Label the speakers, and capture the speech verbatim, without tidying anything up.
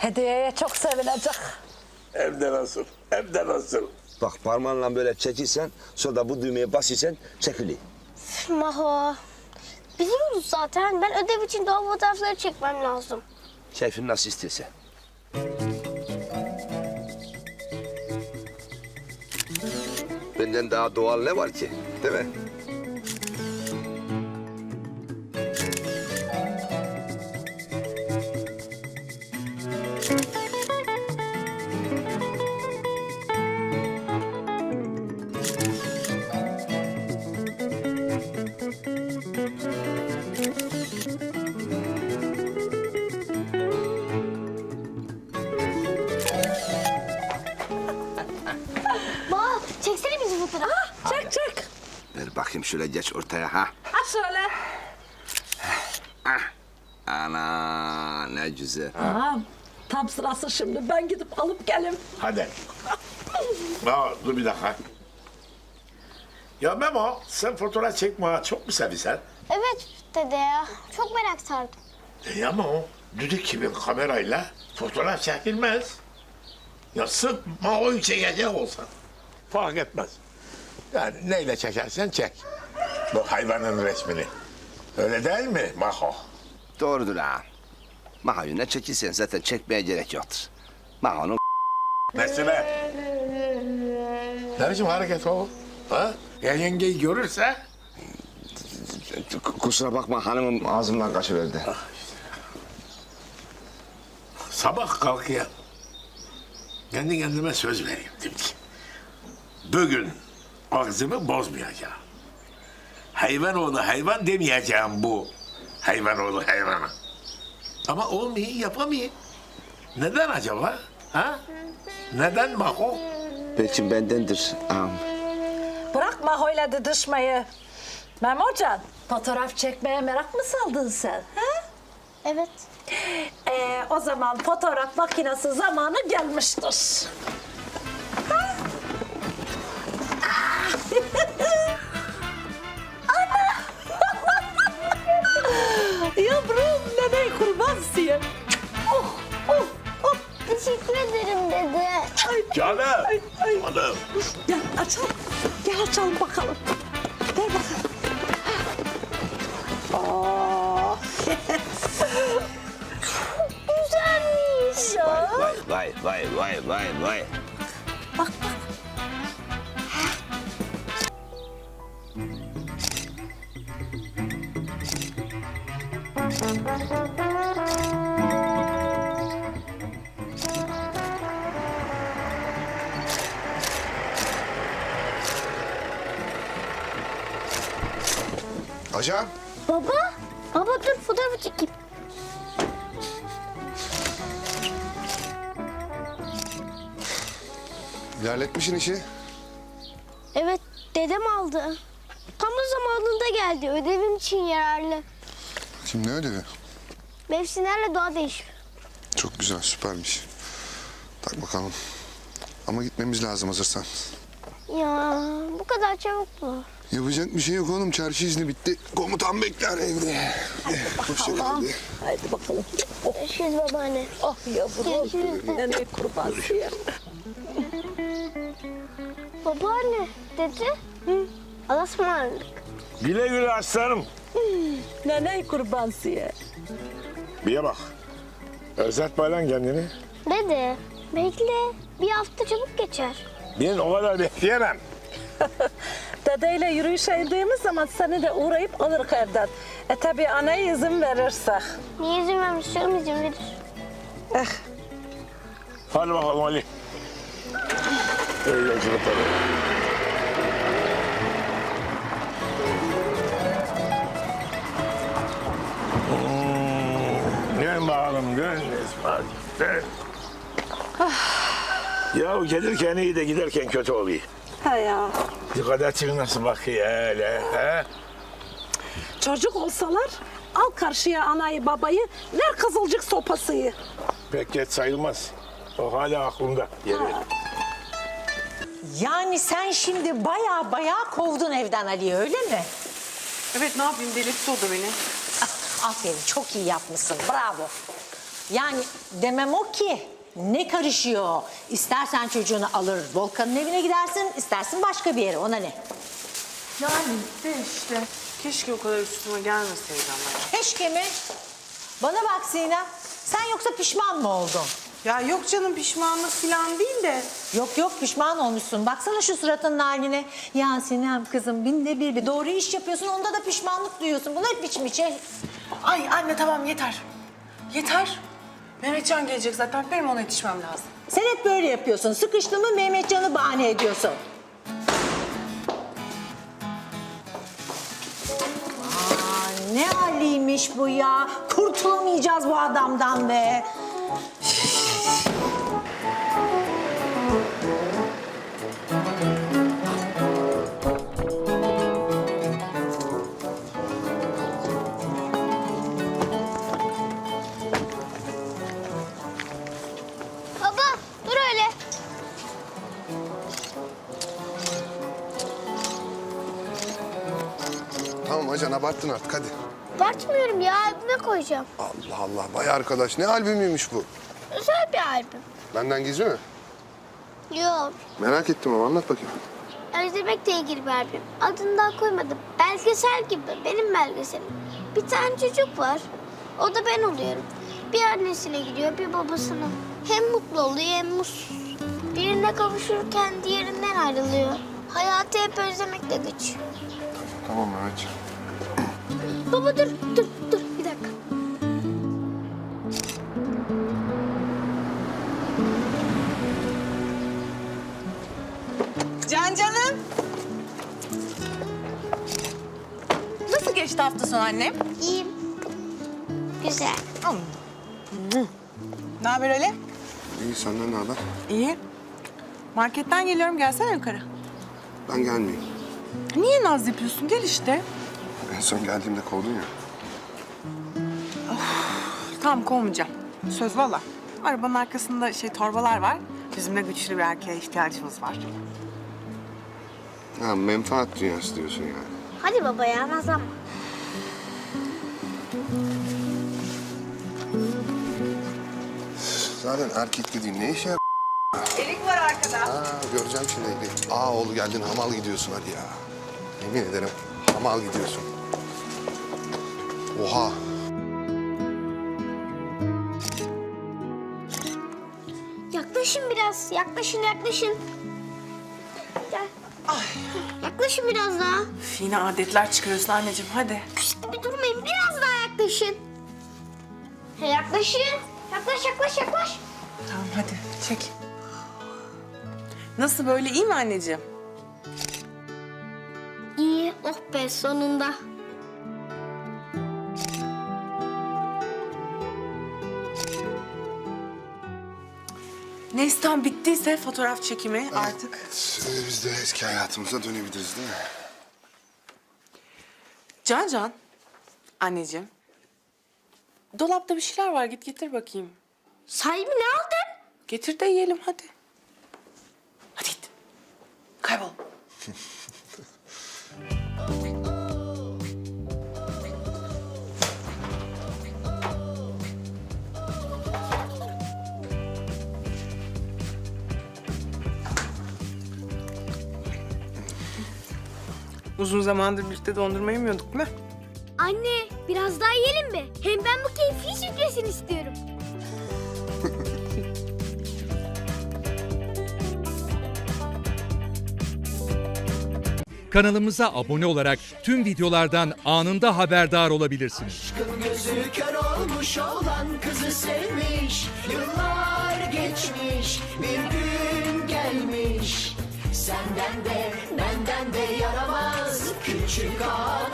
Speaker 1: Hediyeye çok sevinecek.
Speaker 2: Hem de nasıl, hem de nasıl.
Speaker 3: Bak parmağınla böyle çekilsen, sonra da bu düğmeye basırsan çekiliyor.
Speaker 4: Maho. Biliyoruz zaten. Ben ödev için doğal fotoğrafları çekmem lazım.
Speaker 3: Keyfin nasıl istiyorsa. Benden daha doğal ne var ki, değil mi?
Speaker 4: Bak çeksene bizi fotoğraf.
Speaker 1: Çek çek.
Speaker 3: Ver bakayım şöyle geç ortaya ha.
Speaker 1: Ha şöyle.
Speaker 3: Ana ne güzel.
Speaker 1: Tamam. Tam sırası şimdi. Ben gidip alıp gelim.
Speaker 2: Hadi. Aa, dur bir dakika. Ya Memo, sen fotoğraf çekme çok mu seviyorsun?
Speaker 4: Evet dede ya. Çok merak sardım.
Speaker 2: E ama o düdük gibi kamerayla fotoğraf çekilmez. Ya sırf Mao'yu çekecek olsan. Fark etmez. Yani neyle çekersen çek. Bu hayvanın resmini. Öyle değil mi Maho?
Speaker 3: Doğrudur ha. Maho'yu ne çekilsen zaten çekmeye gerek yoktur. Maho'nun
Speaker 2: Mesela. Ne biçim hareket o? Ha? Ya yengeyi görürse?
Speaker 3: kusura bakma hanımım ağzımdan kaçıverdi.
Speaker 2: Sabah kalkıyor. Kendi kendime söz vereyim dedim ki. Bugün ağzımı bozmayacağım. Hayvan oğlu hayvan demeyeceğim bu. Hayvan oğlu hayvana. Ama olmuyor, yapamıyor. Neden acaba? Ha? Neden Maho?
Speaker 3: Belki bendendir ağam.
Speaker 1: Bırakma hoyla didişmeyi. Memocan, fotoğraf çekmeye merak mı saldın sen? Ha?
Speaker 4: Evet.
Speaker 1: Ee, o zaman fotoğraf makinesi zamanı gelmiştir. Ha? Ana! Yavrum, nene kurbansın. Oh, oh, oh.
Speaker 4: Teşekkür ederim dede.
Speaker 1: Ay,
Speaker 2: Canım.
Speaker 1: ay, ay.
Speaker 2: Canım.
Speaker 1: Gel açalım. Gel açalım bakalım. Ver bakalım. Oh.
Speaker 4: Güzelmiş ya.
Speaker 3: Vay vay vay vay vay vay.
Speaker 1: Bak bak.
Speaker 5: Ajan,
Speaker 4: Baba. Baba dur fotoğrafı çekeyim.
Speaker 5: ilerletmişsin işi.
Speaker 4: Evet dedem aldı. Tam da zamanında geldi. Ödevim için yararlı.
Speaker 5: Şimdi ne ödevi?
Speaker 4: Mevsimlerle doğa değişiyor.
Speaker 5: Çok güzel, süpermiş. Tak bakalım. Ama gitmemiz lazım hazırsan.
Speaker 4: Ya bu kadar çabuk mu?
Speaker 5: Yapacak bir şey yok oğlum. Çarşı izni bitti. Komutan bekler evde. Hoşça kal. hadi.
Speaker 1: Haydi bakalım.
Speaker 4: Görüşürüz babaanne.
Speaker 1: Oh yavrum.
Speaker 4: Görüşürüz.
Speaker 1: Nene kurbansın.
Speaker 4: Babaanne dedi. Hı. Allah'a ısmarladık.
Speaker 2: Güle güle aslanım.
Speaker 1: Nene kurbansın.
Speaker 2: Bir bak. Özletme lan kendini.
Speaker 4: Dede bekle. Bir hafta çabuk geçer.
Speaker 2: Ben o kadar bekleyemem.
Speaker 1: Dedeyle yürüyüşe indiğimiz zaman seni de uğrayıp alırız evden. E tabi anaya izin verirsek.
Speaker 4: Niye izin vermiş canım izin verir.
Speaker 1: Eh.
Speaker 2: Hadi bakalım Ali. İyi yolculuklar. Hmm, Dön bakalım, dön Esma'cığım, dön. Ya gelirken iyi de giderken kötü oluyor.
Speaker 1: Ha ya.
Speaker 2: Dikkat et nasıl bakıyor öyle, he?
Speaker 1: Çocuk olsalar al karşıya anayı babayı, ver kızılcık sopasıyı.
Speaker 2: Pek geç sayılmaz. O hala aklımda. Yeri.
Speaker 6: Yani sen şimdi baya baya kovdun evden Ali'yi öyle mi?
Speaker 7: Evet ne yapayım delirtti o da beni.
Speaker 6: Ah, aferin çok iyi yapmışsın bravo. Yani demem o ki ne karışıyor? İstersen çocuğunu alır Volkan'ın evine gidersin, istersin başka bir yere, ona ne?
Speaker 7: Yani de işte. Keşke o kadar üstüme gelmeseydi ama.
Speaker 6: Keşke mi? Bana bak Sinem, sen yoksa pişman mı oldun?
Speaker 7: Ya yok canım, pişmanlık falan değil de.
Speaker 6: Yok yok, pişman olmuşsun. Baksana şu suratının haline. Ya Sinem kızım, binde bir bir doğru iş yapıyorsun, onda da pişmanlık duyuyorsun. Bu ne biçim şey?
Speaker 7: Ay anne tamam yeter. Yeter. Mehmetcan gelecek zaten, benim ona yetişmem lazım.
Speaker 6: Sen hep böyle yapıyorsun. Sıkıştın mı Mehmetcan'ı bahane ediyorsun. Aa, ne haliymiş bu ya. Kurtulamayacağız bu adamdan be.
Speaker 4: Baba dur öyle.
Speaker 5: Tamam Acan, abarttın artık, hadi.
Speaker 4: Abartmıyorum ya, albüme koyacağım.
Speaker 5: Allah Allah, vay arkadaş, ne albümüymüş bu?
Speaker 4: Özel bir albüm.
Speaker 5: Benden gizli mi?
Speaker 4: Yok.
Speaker 5: Merak ettim ama, anlat bakayım.
Speaker 4: Özlemekle ilgili bir albüm. Adını daha koymadım. Belgesel gibi. Benim belgeselim. Bir tane çocuk var. O da ben oluyorum. Bir annesine gidiyor, bir babasına. Hem mutlu oluyor hem mutsuz. Birine kavuşurken diğerinden ayrılıyor. Hayatı hep özlemekle geçiyor.
Speaker 5: Tamam Mehmetciğim.
Speaker 4: Baba dur, dur, dur. Bir dakika.
Speaker 7: Can canım. Nasıl geçti hafta sonu annem?
Speaker 4: İyiyim. Güzel.
Speaker 7: Ne haber Ali?
Speaker 5: İyi, senden ne haber?
Speaker 7: İyi. Marketten geliyorum, gelsene yukarı.
Speaker 5: Ben gelmeyeyim.
Speaker 7: Niye naz yapıyorsun? Gel işte.
Speaker 5: En son geldiğimde kovdun ya.
Speaker 7: Tamam, kovmayacağım. Söz valla. Arabanın arkasında şey torbalar var. Bizim de güçlü bir erkeğe ihtiyacımız var.
Speaker 5: Ha, menfaat dünyası diyorsun yani.
Speaker 4: Hadi baba ya, nazlanma.
Speaker 5: Zaten erkek dediğin ne işe yarar?
Speaker 7: Erik var arkada.
Speaker 5: Aa, göreceğim şimdi. Aa oğlu geldin, hamal gidiyorsun hadi ya. Yemin ederim hamal gidiyorsun. Oha.
Speaker 4: Yaklaşın biraz. Yaklaşın, yaklaşın. Gel. Yaklaşın biraz daha.
Speaker 7: Üf, yine adetler çıkarıyorsun anneciğim, hadi.
Speaker 4: Küçük bir durmayın. Biraz daha yaklaşın. Ha, yaklaşın. Yaklaş, yaklaş, yaklaş.
Speaker 7: Tamam hadi, çek. Nasıl, böyle iyi mi anneciğim?
Speaker 4: İyi. Oh be, sonunda.
Speaker 7: Neyse tamam, bittiyse fotoğraf çekimi artık.
Speaker 5: Şimdi biz de eski hayatımıza dönebiliriz değil mi?
Speaker 7: Can Can, anneciğim. Dolapta bir şeyler var, git getir bakayım.
Speaker 4: Sahi mi, ne aldın?
Speaker 7: Getir de yiyelim hadi. Hadi git. Kaybol. Uzun zamandır birlikte dondurma yemiyorduk değil mi?
Speaker 4: Anne, biraz daha yiyelim mi? Hem ben bu keyfi sütlesin istiyorum.
Speaker 8: Kanalımıza abone olarak tüm videolardan anında haberdar olabilirsiniz.
Speaker 9: Gözü kör olmuş olan kızı sevmiş. Yıllar geçmiş, bir gün gelmiş. Senden de benden de yaramaz küçük ağa.